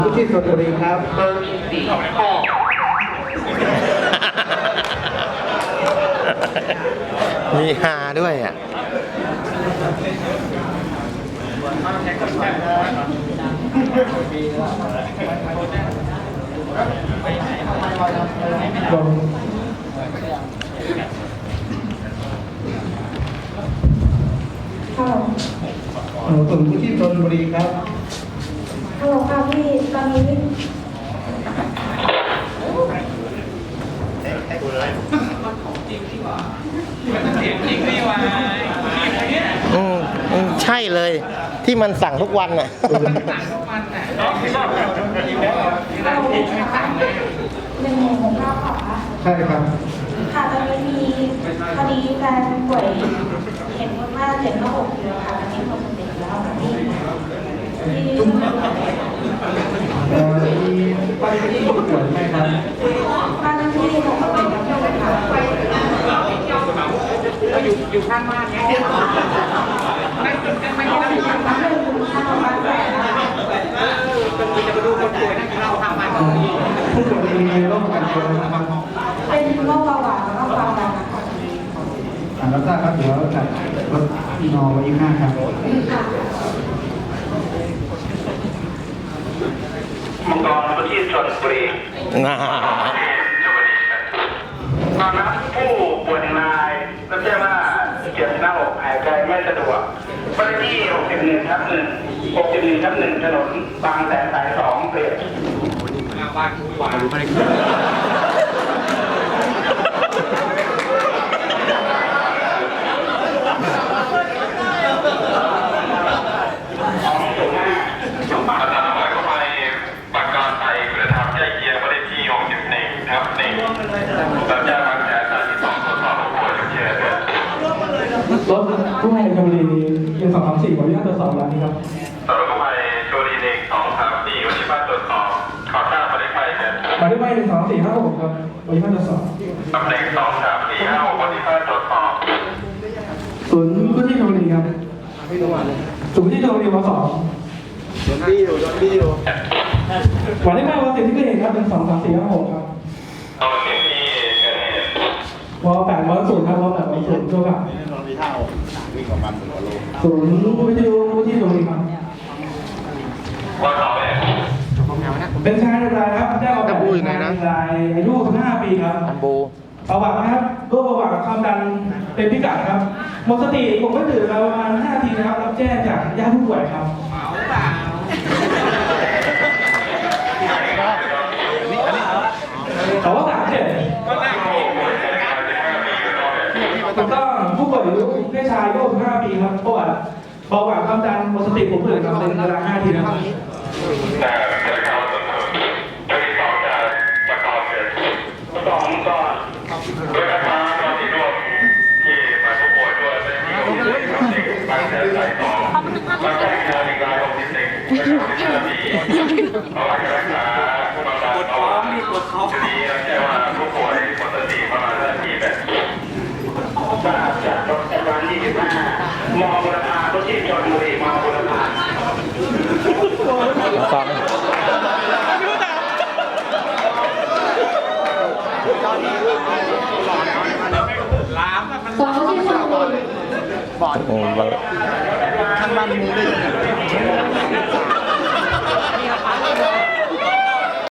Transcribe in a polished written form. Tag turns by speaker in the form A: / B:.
A: ที่ชลบุรีครับเบอร์4ข้อ
B: มีฮาด้วยอ่ะ
A: ส่วนผู้ที่ชลบุรีครับ
C: ฮัลโหลค่ะพี่ตอนนี้
B: ใช่เลยที่มันสั่งทุกวันน่ะ
C: 1 6 9ค่ะ
A: ใช่ครับ
C: ค่ะตอนนี้มีคดีแฟนป่วยเห็นว่า756อยู่ค่ะตอนนี้หมดสติแล้วค่ะพี่
A: มีไปที่ผู้ป่วยไหมครับ
C: บ้านที่6เป็นแล้วค่ะ
D: อยู่ข้างบ้านเนี่ยไม่ได้อยู่ข้างบ้านจะมาดูคนป่วยนั่งเราทำมัน
A: ผู้ป่วยมีโรคประจำตัวนะครับ
C: เป็นโรคเบาหวานแล้วก็ความดันนะคะ
A: รับทราบครับเดี๋ยวจัดรถนอไว้อีก5ครับมังกรประทีปชลบุรีตอนนั้นผู้ป่วยนายรับแจ้งว่าเจ็บหน้าอกหายใจไม่สะดวกไปที่61/1 ถนนบางแสนสาย2เปลี่ยน
D: บ้านทุกวันไม่
E: รถกู้ภัยชลบุรียัง234ขออนุญาตตรวจสอบแล้วนี่ครับ
F: สำหรับกู้ภัยชลบุรี1 2 3 4วันที่บ้านตรวจสอบข่าวสารมาได้ไปเนี่ย
E: มาได้ไหม12456ครับวันที่บ้านตรวจสอบ
F: ตำแหน่ง2 3 4 5 6วันที่บ้านตรวจสอบ
E: ศูนย์กู้ชีพชลบุรีครับศูนย์กู้ชีพชลบุรีว2
A: โดนบี้อยู่
E: วันได้ไหมวันที่เกิดเหตุครับเป็น23456ครับ
F: ตอนนี้ที่เกิดเหตุ
E: ว8วันศูนย์ครับว8วันศูนย์ทั่วครับศูนย์กู้ชีพชลบุรีครับ
F: ว่าเขาเนี่ย
E: เป็นชายรายครับแจ้งออกแบบเป็นชายรายอายุ65 ปีครับประวัตินะครับรูปประวัติความดันเป็นพิกัดครับหมดสติผมก็ตื่นประมาณ5 นาทีนะครับรับแจ้งจากญาติผู้ป่วยครับเขาว่า37ถูกต้องผู้ป่วยอายุเพศชายอายุ65 ปีครับประวัติเบาหวานความดันหมดสติผมตื่นครับเป็นเวลา5 นาทีนะครับ
F: แต่จะเข้าถึงจะมีสองจากประกอบเสร็จ2ก่อนโดยการตอนที่ร่วมที่มาผู้ป่วยด้วยเป็นที่ของเด็กบางแสนสาย2บางแสน1 ราย61เป็น65 ปีเอาหลักการรักษาผู้บำบัดเอาทีนี้แจ้งว่าผู้ป่วยหมดสติประมาณนาทีแบบ
A: ทราบจากรถแอดวานซ์25มบุรพาผู้ที่ชลบุรีมบุรพา
B: ฟัง
C: สองที่ชลบุรี
B: ข้างบ้านมึงได้